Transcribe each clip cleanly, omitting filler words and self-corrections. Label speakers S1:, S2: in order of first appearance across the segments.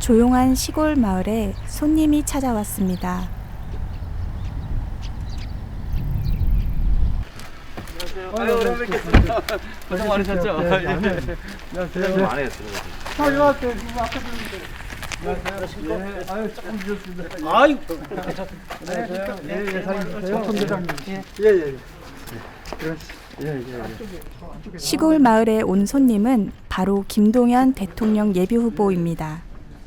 S1: 조용한 시골 마을에 손님이 찾아왔습니다.
S2: 아유, 오래 뵙겠습니다. 고생 많으셨죠?
S3: 안녕하세요.
S2: 많이 했어요.
S3: 안녕하세요. 지금 앞에 보는데. 안녕하세요. 아유, 조금 늦었습니다.
S2: 아유.
S3: 안녕하세요. 예, 사장님. 전 대장님. 예.
S1: 시골 마을에 온 손님은 바로 김동연 대통령 예비 후보입니다.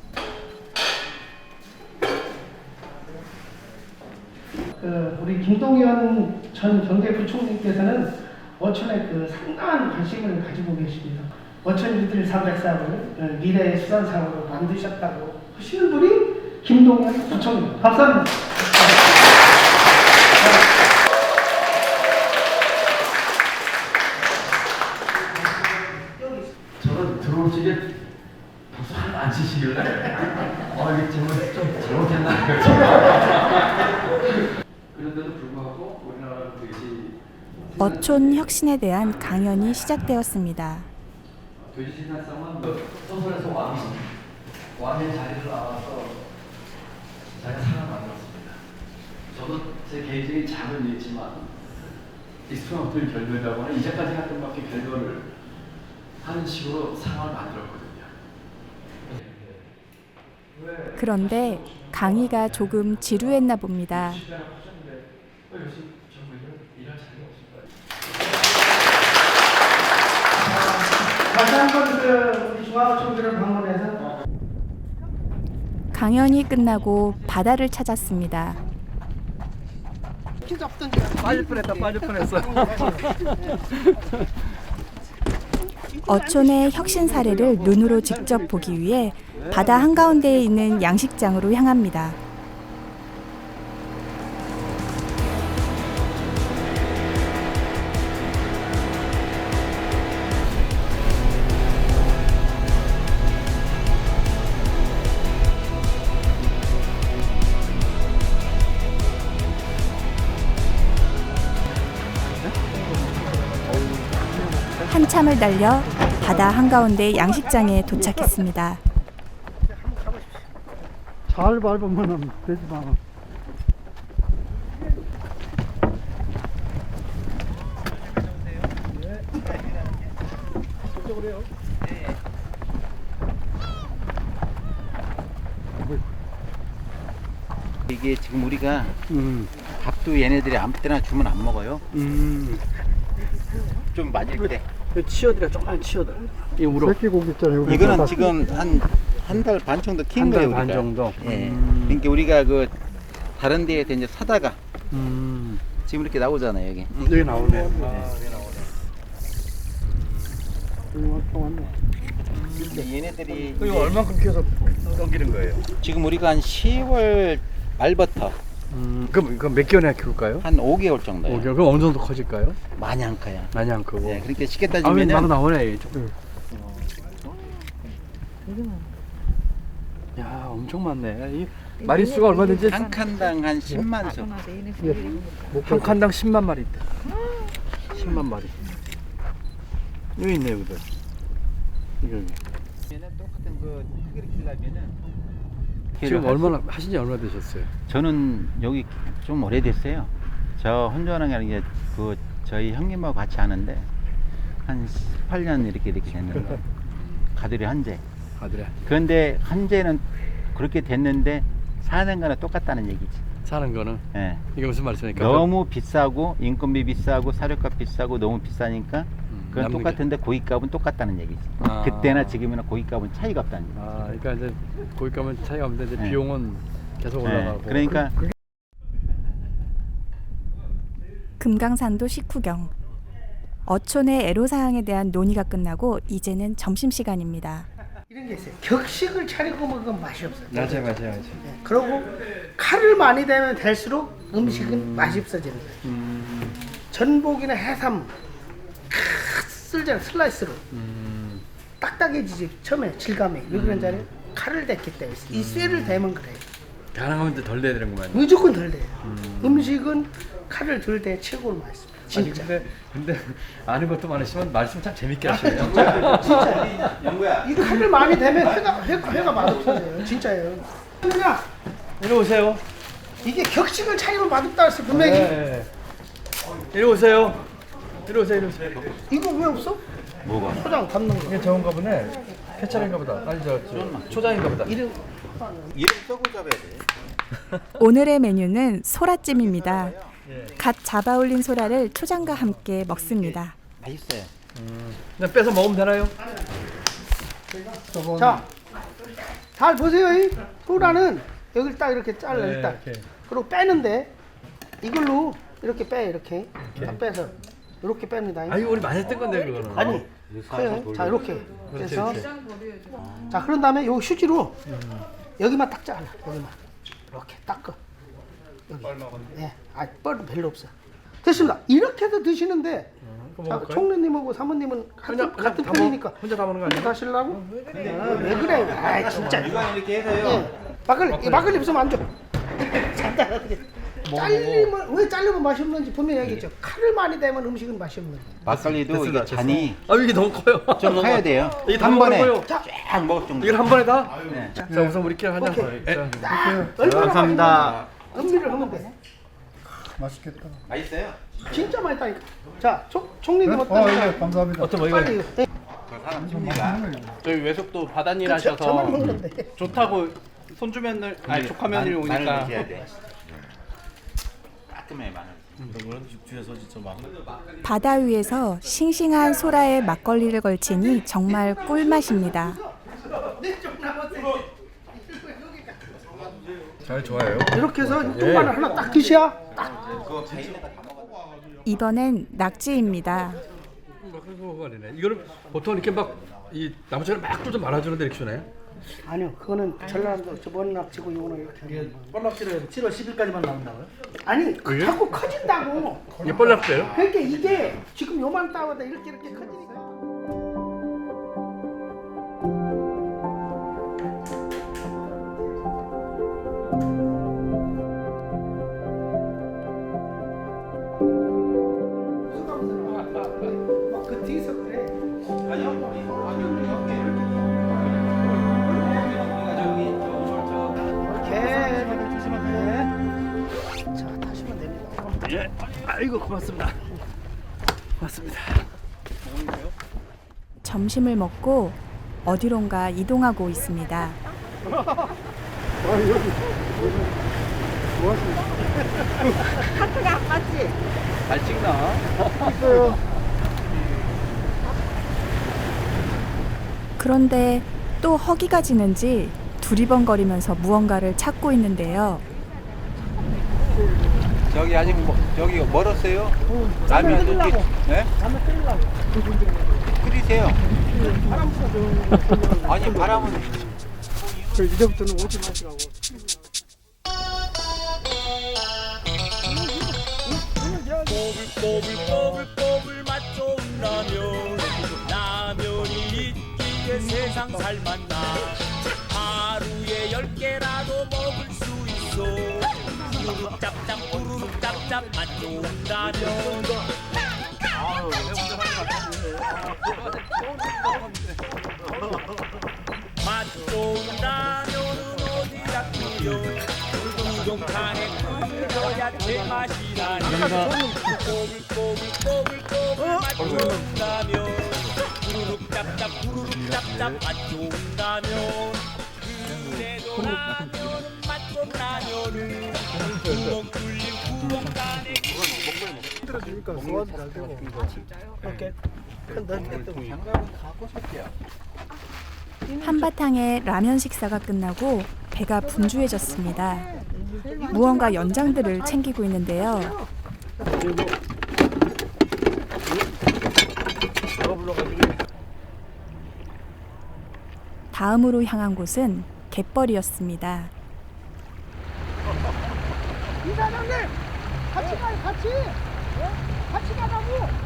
S4: 우리 김동연 전 경제부총리께서는 어촌에 상당한 관심을 가지고 계십니다. 어촌 유들 300사업을 미래의 수산사업으로 만드셨다고 하시는 분이 김동연 부총리. 감사합니다.
S2: 저는 들어오시게 벌써 안 치시길래 이게 제가 좀 잘못했나 그런데도 불구하고 우리나라 돼지
S1: 어촌 혁신에 대한 강연이 시작되었습니다.
S2: 돼지 생산성은 소설에서 왕의 자리를 나와서 자기가 상을 만들었습니다. 저도 제 개인적인 작은 일이지만 익스트라ordinary 결과라고 하는 이제까지 했던 밖에 결과를 하는 식으로 상을 만들었거든요.
S1: 그런데 강의가 조금 지루했나 봅니다.
S4: 다시 한번 우리 중앙어촌들을 방문해서
S1: 강연이 끝나고 바다를 찾았습니다.
S2: 빠질 뻔했어.
S1: 어촌의 혁신 사례를 눈으로 직접 보기 위해 바다 한가운데에 있는 양식장으로 향합니다. 한참을 달려 바다 한가운데 양식장에 도착했습니다.
S3: 잘 밟으면 되지만.
S5: 이게 지금 우리가 밥도 얘네들이 아무 때나 주면 안 먹어요. 좀 맞을 때.
S2: 치어들이야, 조그만 치어들. 이 우럭.
S3: 새끼 고기 있잖아요.
S5: 이거는 지금 한 달 반 정도 키운 거예요.
S2: 반
S5: 우리가.
S2: 정도.
S5: 예. 그러니까 우리가 그 다른 데에서 이제 사다가 지금 이렇게 나오잖아요 여기.
S3: 여기 나오네.
S5: 근데 얘네들이
S2: 이거 얼만큼 키워서 넘기는 거예요?
S5: 지금 우리가 한 10월 말부터
S2: 그럼 몇 개월이나 키울까요?
S5: 한 5개월 정도요.
S2: 그럼 어느 정도 커질까요?
S5: 많이 안 커요.
S2: 많이 안 크고.
S5: 네, 그러니까 쉽게
S2: 바로
S5: 따지면은
S2: 나오네. 야, 엄청 많네. 이 마리수가 얼마든지
S5: 한 칸당 한 10만 수.
S2: 한 칸당 10만 마리 있대. 10만 마리. 여기 있네, 여기도. 여기.
S5: 똑같은 그 크기를 키려면은
S2: 지금 얼마나 하신 지 얼마나 되셨어요?
S5: 저는 여기 좀 오래됐어요. 저 혼자하는 게 그 저희 형님하고 같이 하는데 한 18년 이렇게 됐는데 가들이 한재.
S2: 아들아.
S5: 그런데 한재는 그렇게 됐는데 사는 거는 똑같다는 얘기지.
S2: 사는 거는
S5: 예.
S2: 이게 무슨 말씀입니까?
S5: 너무 비싸고 인건비 비싸고 사료값 비싸고 너무 비싸니까 그건
S2: 남는
S5: 똑같은데 고깃값은 똑같다는 얘기지.
S2: 아.
S5: 그때나 지금이나 고깃값은 차이가 없다는 얘기지.
S2: 그러니까 이제 고깃값은 차이가 없는데 이제
S5: 네.
S2: 비용은 계속
S5: 예.
S2: 올라가고.
S5: 그러니까
S1: 금강산도 식후경. 어촌의 애로사항에 대한 논의가 끝나고 이제는 점심시간입니다.
S4: 이런 게 있어요. 격식을 차리고 먹으면 맛이 없어요.
S2: 맞아요.
S4: 그리고 칼을 많이 대면 될수록 음식은 맛이 없어지는 거예요. 전복이나 해삼 쓸잖아 슬라이스로 딱딱해지지 처음에 질감이 왜 그런지 알아요? 칼을 댔기 때문에 이 쇠를 대면 그래요.
S2: 가능하면 덜 내야 되는구만.
S4: 무조건 덜 돼요. 음식은 칼을 덜 대 최고로 맛있습니다. 진짜.
S3: 근데 아는 것도 많으시면 말씀 참 재밌게 하시네요.
S4: 진짜. 이 칼을 많이 대면 회가 맛없어져요. 진짜예요. 그냥
S3: 이리 오세요.
S4: 이게 격식을 차리면 맛없다 했어 분명히.
S3: 네. 이리 오세요. 이리 오세요. 이리 오세요.
S4: 이거 왜 없어?
S5: 뭐가?
S4: 초장 담는 거.
S3: 이게 저건가 보네. 케찹인가 보다. 아니 저 초장인가 보다.
S4: 이름
S5: 이름 써고 잡아야 돼.
S1: 오늘의 메뉴는 소라찜입니다. 갓 잡아 올린 소라를 초장과 함께 먹습니다.
S5: 맛있어요.
S3: 그냥 빼서 먹으면 되나요?
S4: 자, 잘 보세요. 이 소라는 여기를 딱 이렇게 잘라
S3: 네,
S4: 일단.
S3: 이렇게.
S4: 그리고 빼는데 이걸로 이렇게 빼 이렇게 딱 빼서 이렇게 뺍니다.
S3: 아니 우리 많이 뜬 건데 그거는.
S4: 아니 커요. 자 이렇게
S3: 그렇지,
S4: 해서
S3: 이렇게.
S4: 자 그런 다음에 요 휴지로 여기만 딱 잘라 여기만 이렇게 닦아 여기. 예, 뻘은 별로 없어. 됐습니다. 이렇게도 드시는데.
S3: 그거
S4: 자,
S3: 먹을까요?
S4: 총리님하고 사모님은
S3: 그냥
S4: 같은
S3: 다
S4: 편이니까
S3: 혼자 다 먹는 거
S4: 혼자
S3: 아니에요?
S4: 하시려고? 왜 그래? 아 진짜.
S5: 이건 이렇게 해서요.
S4: 예. 막걸리 없으면 안 줘. 잘리면 왜 잘리면 맛이 없는지 분명히 얘기했죠. 칼을 많이 대면 음식은 맛이 없는.
S5: 막걸리도
S3: 됐습니다,
S5: 이게 잔이
S3: 아 이게 너무 커요.
S5: 좀 커야 돼요.
S3: 이게 다
S5: 한 번에
S3: 먹어요.
S5: 쫙 먹을 정도.
S3: 이걸 한 번에 다?
S5: 네.
S3: 자 우선 우리끼리 한 잔.
S4: 오케이.
S3: 네.
S4: 얼마나
S5: 감사합니다.
S4: 음미를 하면 돼.
S2: 맛있겠다.
S5: 맛있어요?
S4: 진짜 맛있다니까. 자, 총리님 어떠세요?
S2: 예, 감사합니다.
S3: 어떤 뭐 이거?
S4: 빨리. 네.
S5: 그 사람 심리가
S6: 저희 외숙도 바닷일
S4: 저만
S6: 하셔서
S4: 먹는데.
S6: 좋다고 손주면을 아니 조카면이
S5: 마늘
S6: 오니까
S5: 드셔야 돼. 깔끔해 마늘.
S1: 바다 위에서 싱싱한 소라에 막걸리를 걸치니 정말 꿀맛입니다.
S3: 잘 좋아요.
S4: 이렇게 해서 똥마늘 하나 딱 드셔야 딱.
S5: 그거 다 있는 거 다 먹어.
S1: 이번엔 낙지입니다.
S3: 그거 아니네. 이거는 보통 이렇게 막 이 나무처럼 막 뚫어 말아주는데 이렇게 주나요?
S4: 아니요, 그거는 전라도 저번 낙지고 이거는 이렇게.
S2: 뻘락지를 7월 10일까지만 나온다고요?
S4: 아니, 자꾸 커진다고.
S3: 이게 뻘락돼요?
S4: 그러니까 이게 지금 요만 따보다 이렇게 커지니까. 막그 뒤에서 그래. 이렇게. 자, 타시면 됩니다.
S3: 예. 아이고 고맙습니다. 고맙습니다.
S1: 점심을 먹고 어디론가 이동하고 있습니다.
S3: 잘 찍나?
S1: 그런데 또 허기가 지는지 두리번거리면서 무언가를 찾고 있는데요.
S5: 저기 아직 저기 멀었어요? 라면 끓이려고. 네?
S4: 라면 끓이려고.
S5: 끓이세요. 아니 바람은
S4: 이제부터는 오지 마시라고.
S7: 꼬불꼬불꼬불 맛 좋은 라면 라면이 있기에 세상 살맛나 하루에 10개라도 먹을 수 있어 후루룩 짭짭 후루룩 짭짭 맛 좋은 라면 맛 좋은 라면은 어디라고요 우동탕에 끓여야 제맛이 나니 꼬불꼬불꼬불꼬불 맛 좋은 라면 후루룩 짭짭 후루룩 짭짭 맛 좋은 라면 그래도 라면 맛 좋은 라면은 구멍 뚫린 구멍간에
S4: 들어주니까 소화도 잘 되고. 이렇게 큰 넓게
S1: 한바탕에 라면 식사가 끝나고 배가 분주해졌습니다. 무언가 연장들을 챙기고 있는데요. 다음으로 향한 곳은 갯벌이었습니다.
S4: 이사장님 같이 가요 같이. 같이 가자고.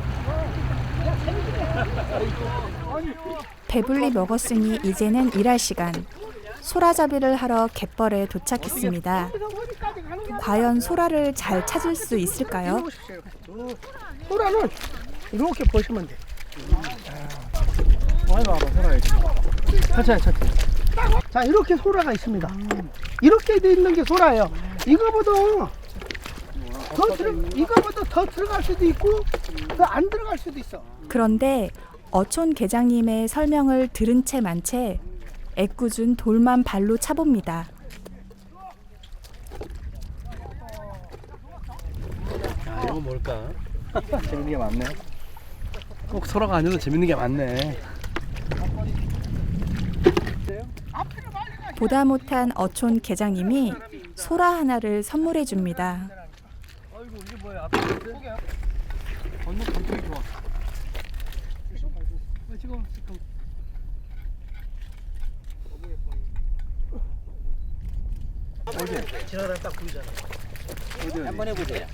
S1: 배불리 먹었으니 이제는 일할 시간. 소라잡이를 하러 갯벌에 도착했습니다. 과연 소라를 잘 찾을 수 있을까요?
S4: 소라는 이렇게 보시면 돼.
S2: 많이 나와봐, 소라 이렇게. 천천히.
S4: 자, 이렇게 소라가 있습니다. 이렇게 돼 있는 게 소라예요. 이거보다 더 들어갈 수도 있고 더 안 들어갈 수도 있어.
S1: 그런데 어촌 계장님의 설명을 들은 채 만 채 애꿎은 돌만 발로 차봅니다.
S2: 이거 뭘까? 재밌는 게 많네. 꼭 소라가 아니어도 재밌는 게 많네.
S1: 보다 못한 어촌 계장님이 소라 하나를 선물해 줍니다.
S2: 아이고 이게 뭐야? 앞에 있어? 건너 감정이 좋아. 지금. 어디?
S4: 지나다 딱 보이잖아.
S5: 한번 해보세요.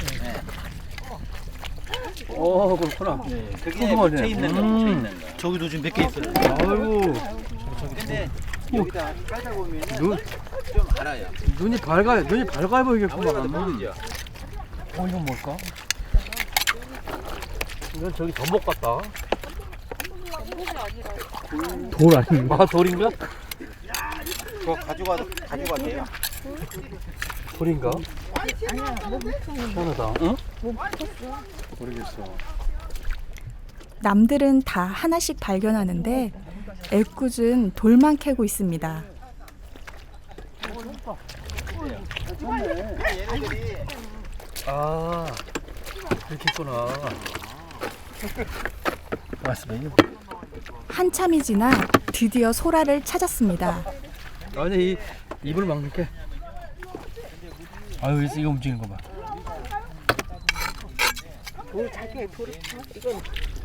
S2: 오 그렇구나.
S5: 그게 쳐 있는 거, 쳐 있는 거.
S6: 저기도 지금 몇 개 있어요.
S2: 아이고
S5: 근데 여기다 깔다 보면
S2: 눈
S5: 좀 알아요.
S2: 눈이 밝아 보이겠구만.
S5: 아무래도 모르죠.
S2: 이건 뭘까? 이건 저기 전복 같다. 돌 아닌가? 아 돌인가?
S5: 그거 가져가도 돼요.
S2: 돌인가? 희한하다. 응? 모르겠어.
S1: 남들은 다 하나씩 발견하는데 애꿎은 돌만 캐고 있습니다.
S2: 아 이렇게 있구나. 맞습니다.
S1: 한참이 지나 드디어 소라를 찾았습니다.
S2: 아니 이 입을 막는 게. 아유 이거 움직이는 거 봐.
S4: 이건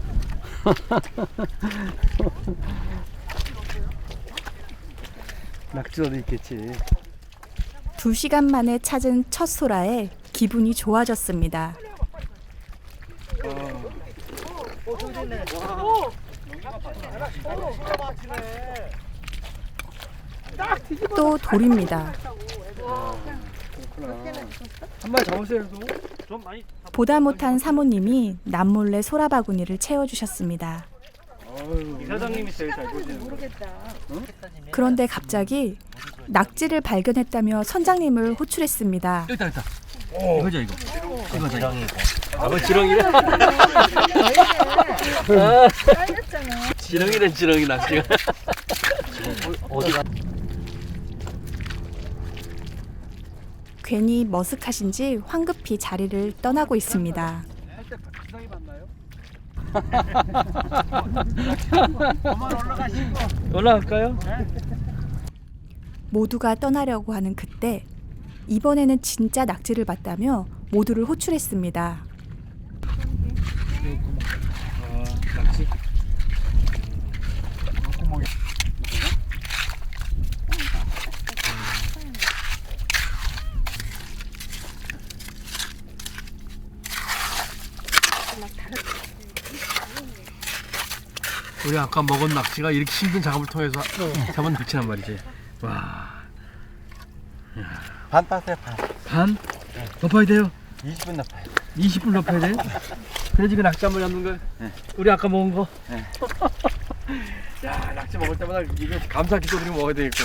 S2: 낙지도 있겠지.
S1: 2시간 만에 찾은 첫 소라에 기분이 좋아졌습니다. 또 돌입니다.
S2: 한 마리 잡으세요.
S1: 보다 못한 사모님이 남몰래 소라 바구니를 채워주셨습니다.
S2: 사장님이 제일 잘 보시는 거.
S1: 그런데 갑자기 낙지를 발견했다며 선장님을 호출했습니다.
S2: 있다. 이거죠 이거. 이거 지렁이고. 아 지렁이래? 지렁이는 지렁이 낙지가. 어디가?
S1: 괜히 머쓱하신지 황급히 자리를 떠나고 있습니다.
S2: 올라갈까요?
S1: 모두가 떠나려고 하는 그때 이번에는 진짜 낙지를 봤다며 모두를 호출했습니다.
S2: 낙지. 우리 아까 먹은 낙지가 이렇게 힘든 작업을 통해서 잡은 낙지란 말이지. 와.
S5: 반 빠세요, 반.
S2: 반? 높아야 돼요?
S5: 20분 나빠요.
S2: 20분 높아야 돼요? 그래야지 그 낙지 한 번 잡는 거야?
S5: 네.
S2: 우리 아까 먹은 거?
S5: 네.
S2: 야, 낙지 먹을 때마다 이거 감사 기도드리 먹어야 되겠고.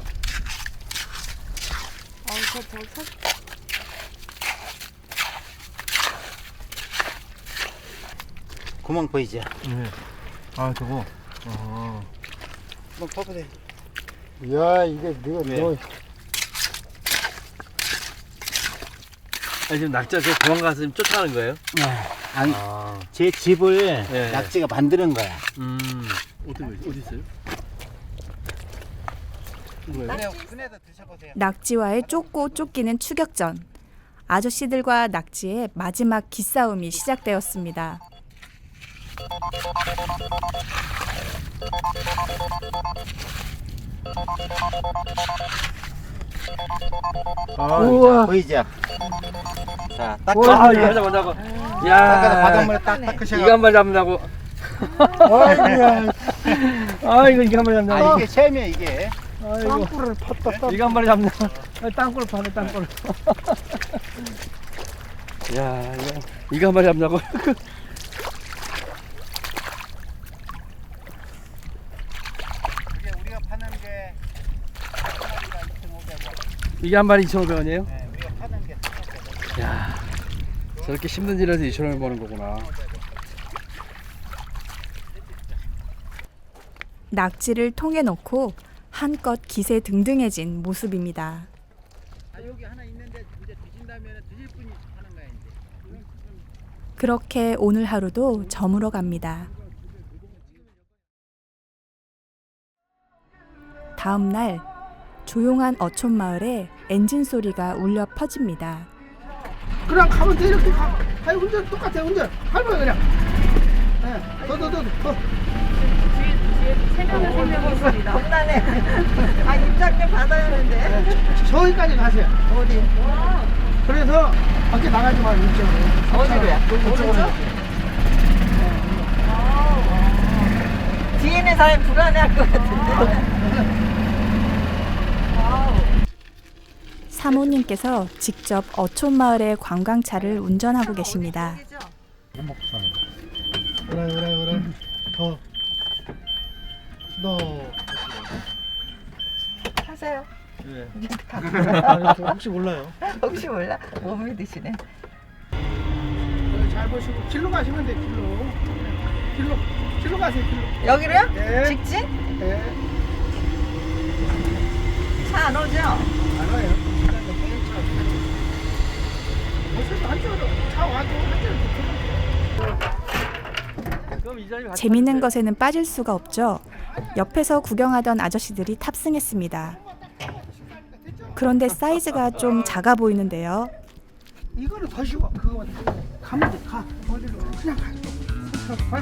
S5: 구멍 보이죠?
S2: 네. 아, 저거.
S5: 한번 퍼보세요.
S4: 야, 이게 너
S2: 아니, 지금 낙지가 저 도망가서 지금 쫓아가는 거예요?
S5: 아니,
S2: 아.
S5: 제 집을
S2: 네.
S5: 낙지가 만드는 거야.
S2: 어디 있어요?
S5: 손에다 드셔보세요.
S1: 낙지와의 쫓고 쫓기는 추격전. 아저씨들과 낙지의 마지막 기싸움이 시작되었습니다.
S2: 우와.
S5: 보이죠? 자, 딱
S2: 아, 이거 하자 먼저 하고. 야,
S5: 바닷물에 딱 닦으셔.
S2: 이거 한 마리 잡는다고. 아, 이거 한 마리 잡는다고.
S5: 아, 이게 체험이야, 이게.
S4: 땅굴을 팠다.
S2: 이거 한 마리 잡는다고. 땅굴을 파네, 땅굴을. 야, 이거 한 마리 잡냐고?
S5: 이게 우리가 파는 게 한 마리가 2,500원.
S2: 이게 한 마리 2,500원이에요?
S5: 네, 우리가 파는 게 3,500원.
S2: 야, 저렇게 힘든 일에서 2,000원을 버는 거구나.
S1: 낙지를 통에 넣고 한껏 기세 등등해진 모습입니다.
S5: 아, 여기 하나 있는데 이제 드신다면 드실 분이 하는 거야 이제.
S1: 그렇게 오늘 하루도 저물어 갑니다. 다음 날 조용한 어촌 마을에 엔진 소리가 울려 퍼집니다.
S4: 그냥 가면 돼 이렇게 가. 아니 운전 똑같아 운전. 밟아요 그냥. 네. 더.
S8: 겁나네. 아 입장료 받아야 하는데.
S4: 저기까지 가세요. 어디? 그래서 밖에 나가지 마 이쪽으로.
S8: 어디로야? 오른쪽? 뒤에 있는 사람이 불안해할 것 같은데.
S1: 사모님께서 직접 어촌 마을의 관광차를 운전하고 계십니다.
S4: 그래. 너
S8: 하세요.
S4: 혹시 몰라요?
S8: 혹시 몰라? 못 믿으시네.
S4: 잘 보시고 길로 가시면 돼 길로 가세요 길로.
S8: 여기로요?
S4: 네.
S8: 직진?
S4: 네.
S8: 차 안 오죠?
S4: 안 와요. 어차피 한쪽으로 차 와도 한쪽으로.
S1: 재밌는 것에는 빠질 수가 없죠. 옆에서 구경하던 아저씨들이 탑승했습니다. 그런데 사이즈가 좀 작아 보이는데요.
S4: 이거는 더 쉬워. 그거 가면 돼. 가. 어디로? 그냥 가. 밟아.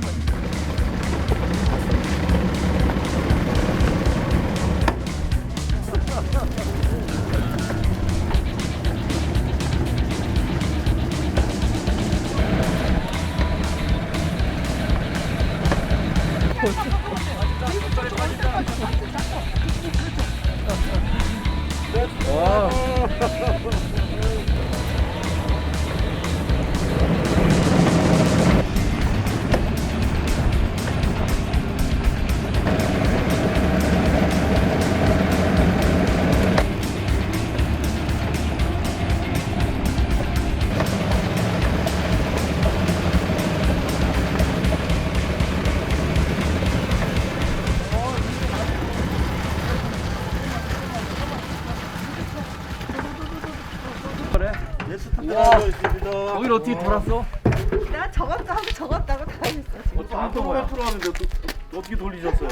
S2: 거길 어떻게 돌았어?
S8: 내가 적었다고 다 했어. 지금.
S6: 어떻게 돌리셨어요?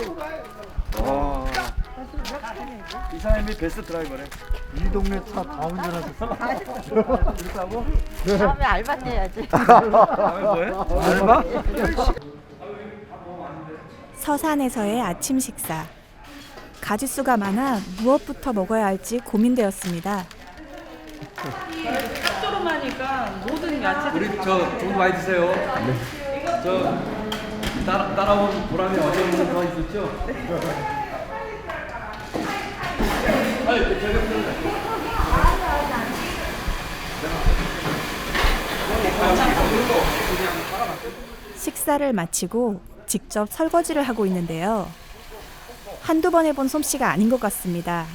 S2: 이 사람이 베스트 드라이버래.
S4: 이 동네 차 다 운전하셨어?
S8: 다음에 알바 해야지.
S2: 다음에 뭐해? 알바?
S1: 서산에서의 아침 식사. 가짓수가 많아 무엇부터 먹어야 할지 고민되었습니다.
S3: 우리 저 좀 많이 드세요. 저 따라온 보람이 어제 오늘 더 있었죠?
S1: 식사를 마치고 직접 설거지를 하고 있는데요. 한두 번 해본 솜씨가 아닌 것 같습니다.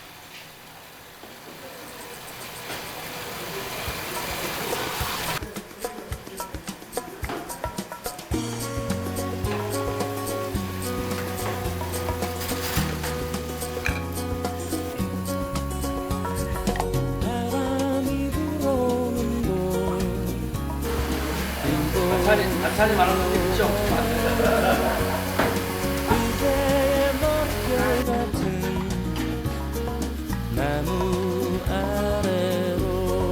S2: 반찬이 많았는데 그쵸?
S7: 그대의 머릿결 같은 나무 아래로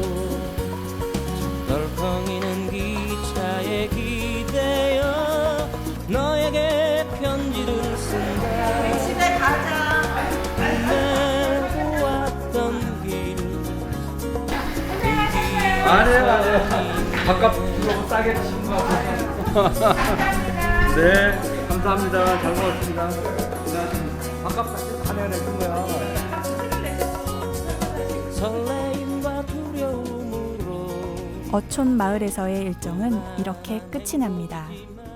S7: 덜컹이는 기차에 기대어 너에게 편지를 쓴다. 우리 집에 가자. 내고 왔던 길
S2: 아니에요. 바깥으로 싸게 드신 것 같아요. 네, 감사합니다. 잘 먹었습니다. 바깥 가면 해준 거야.
S7: 설레임과 두려움으로
S1: 어촌 마을에서의 일정은 이렇게 끝이 납니다.